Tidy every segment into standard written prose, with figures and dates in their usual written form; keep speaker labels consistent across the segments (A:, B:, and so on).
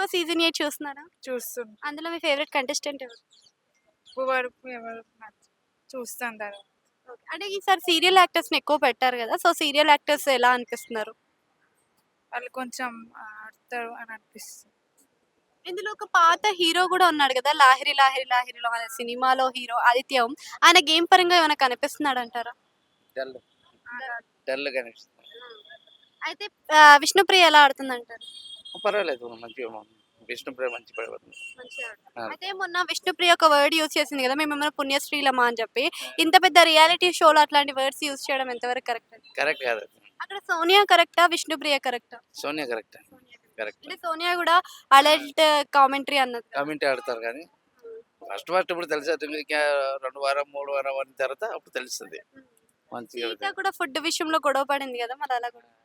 A: Season 8 చూస్తున్నారా?
B: చూస్తున్నా.
A: అందులో మీ ఫేవరెట్ కంటెస్టెంట్ ఎవరు?
B: వరకు ఎవరు చూస్తాను తర్వాత.
A: ఓకే. అంటే ఈసారి సీరియల్ యాక్టర్స్‌ని ఎక్కువ పెట్టారు గదా! సో, సీరియల్ యాక్టర్స్ ఎలా అనిపిస్తున్నారు?
B: వాళ్ళు కొంచెం ఆడతారు అని అనిపిస్తుంది.
A: ఇందులో ఒక పాత హీరో గూడా ఉన్నాడు గదా! 'లాహిరి లాహిరి లాహిరిలో' అనే సినిమాలో హీరో ఆదిత్య ఓం. ఆయన గేమ్ పరంగా ఏమైనా కనిపిస్తున్నాడంటారా?
C: డల్
B: ఆడ-
C: డల్ కనిపిస్తుంది.
A: అయితే విష్ణుప్రియ ఎలా ఆడుతుందంటారు?
C: పర్వాలేదు మంచిగా విష్ణుప్రియ మంచి పడబడుతుంది.
A: అయితే మొన్న విష్ణుప్రియ ఒక వర్డ్ యూజ్ చేసింది గదా! మేమేమైనా పుణ్యశ్రీలమా అని చెప్పి. ఇంత పెద్ద రియాలిటీ షోలో అట్లాంటి వర్డ్స్ యూజ్ చేయడం ఎంతవరకు కరెక్ట్?
C: కరెక్ట్ కాదు అది.
A: అక్కడ సోనియా కరెక్టా? విష్ణుప్రియ కరెక్టా?
C: సోనియా కరెక్ట్ కరెక్ట్
A: అంటే సోనియా గూడా అడల్ట్ కామెంటరీ అన్నది కదా!
C: కామెంట్ ఆడతారు కానీ ఫస్ట్ ఇప్పుడు తెలిసి ఇంకా 2 వారం 3 వారం అయిన తర్వాత అప్పుడు తెలుస్తుంది మంచిగా
A: సీత కూడా ఫుడ్ విషయంలో గొడవ పడింది కదా మరి అలా కూడా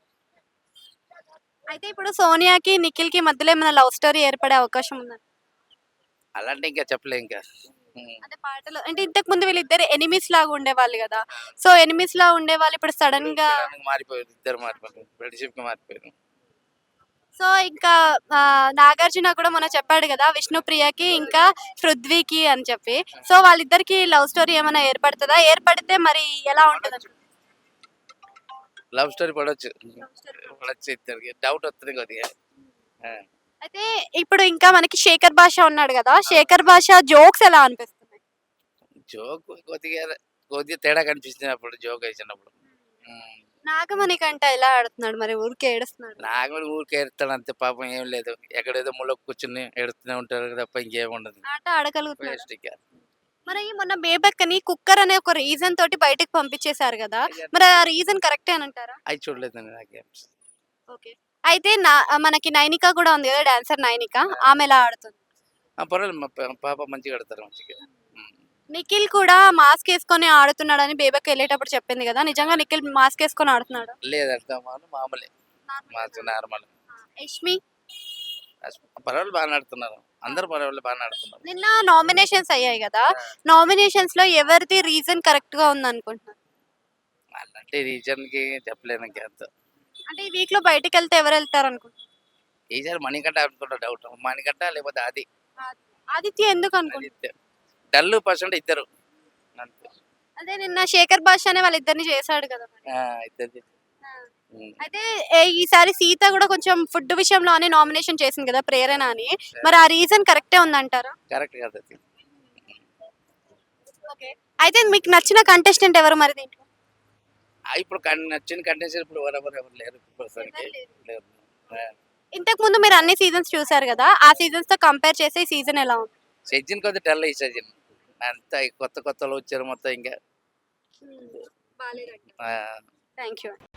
A: అయితే ఇప్పుడు సోనియాకి నిఖిల్‌కి మధ్యలో ఏమైనా లవ్ స్టోరీ ఏర్పడే అవకాశం ఉందా?
C: అలాంటి ఇంకా చెప్పలే ఇంకా
A: అంటే పాటలు అంటే ఇంతకు ముందు వీళ్ళిద్దరు ఎనిమీస్ లాగా ఉండేవాళ్ళు కదా! సో ఎనిమీస్ లా ఉండేవాళ్ళు ఇప్పుడు సడెన్‌గా
C: మారిపోయారు ఇద్దరు మారిపోయారు ఫ్రెండ్షిప్ కి మారిపోయారు.
A: సో ఇంకా నాగార్జున కూడా మొన్న చెప్పాడు కదా! విష్ణుప్రియకి ఇంకా పృథ్వీకి అని చెప్పి. సో వాళ్ళిద్దరికి లవ్ స్టోరీ ఏమైనా ఏర్పడుతదా? ఏర్పడితే మరి ఎలా ఉంటదంటారు?
C: లవ్ స్టోరీ పడవచ్చు ఇద్దరికి డౌట్ వస్తుంది కొద్దిగా ఆ.
A: అయితే ఇప్పుడు ఇంకా మనకి శేఖర్ భాష ఉన్నాడు కదా! శేఖర్ భాష జోక్స్ ఎలా అనిపిస్తున్నాయి?
C: జోక్ కొద్దిగా కొద్దిగా తేడా కనిపిస్తుంది అప్పుడు జోక్ వేసినప్పుడు.
A: నాగమణి కంట ఎలా ఆడుతున్నాడు మరి ఊరికే ఏడుస్తున్నాడు.
C: నాకు కూడా ఊరికే ఏడుస్తాడు అంతే పాపం ఏం లేదు ఎక్కడేదో ముళ్ళ కూర్చుని ఏడుతూనే ఉంటారు తప్ప ఇంకేం ఉండదు
A: ఆట ఆడగలుగుతున్నాడు.
C: వేస్ట్ ఇక.
A: మరి మొన్న బేబక్కని కుక్కర్ అనే ఒక రీజన్ తోటి బయటకు పంపించేశారు కదా! మరి ఆ రీజన్ కరెక్టే అని అంటారా?
C: అవి చూడలేదండి నాకేం.
A: ఓకే. అయితే మనకి నైనిక కూడా ఉంది కదా డాన్సర్ నైనిక. ఆమె ఎలా ఆడుతుంది?
C: పర్వాలేదు మా పాప మంచిగా ఆడతారు మంచిగా.
A: నిఖిల్ కూడా మాస్క్ వేసుకొని ఆడుతున్నాడని బేబక్క వెళ్ళేటప్పుడు చెప్పింది కదా! నిజంగా నిఖిల్ మాస్క్ వేసుకొని ఆడుతున్నాడు?
C: లేదంట మామూలే మాకు నార్మల్.
A: యష్మి
C: పర్వాలేదు బాగా ఆడుతున్నారు అందరు పర్వాలేదు బాగా ఆడుతున్నారు.
A: నిన్న నామినేషన్స్ అయ్యాయి కదా! నామినేషన్స్ లో ఎవరిది రీజన్ కరెక్ట్ గా ఉంది అనుకుంటున్నారు?
C: అలాంటి రీజన్ కి చెప్పలేను ఇంకా అంత.
A: అంటే ఈ వీక్ లో బయటకు వెళ్తే ఎవరు వెళ్తారు అనుకుంటున్నారు?
C: ఈసారి మణికంట అనుకుంటా డౌట్ మణికంట లేకపోతే అది
A: ఆదిత్య ఎందుకు అనుకుంటున్నారు?
C: డల్ పర్సెంట్ ఇద్దరు అంతే.
A: అదే నిన్న శేఖర్ భాష అనే వాళ్ళిద్దరిని చేశాడు కదా మరి.
C: ఇద్దరు
A: అయితే ఈసారి సీత కూడా కొంచెం ఫుడ్ విషయంలో అని నామినేషన్ చేసింది కదా ప్రేరణ అని. మరి ఆ రీజన్ కరెక్టే ఉందంటారా?
C: కరెక్ట్ కాదు అది.
A: ఓకే. అయితే మీకు నచ్చిన కంటెస్టెంట్ ఎవరు మరి దీంట్లో?
C: ఇప్పుడు నచ్చిన కంటెన్షన్ ఇప్పుడు ఎవరు లేరు ప్రస్తుతానికి లేరు.
A: ఇంతకు ముందు మీరు అన్ని సీజన్స్ చూసారు కదా! ఆ సీజన్స్ తో కంపేర్ చేస్తే ఈ సీజన్ ఎలా ఉంది?
C: సీజన్ కొద్ది డల్ ఈ సీజన్ అంతా కొత్తలో వచ్చారు మొత్తం ఇంకా
A: బాలేదండి. Thank you.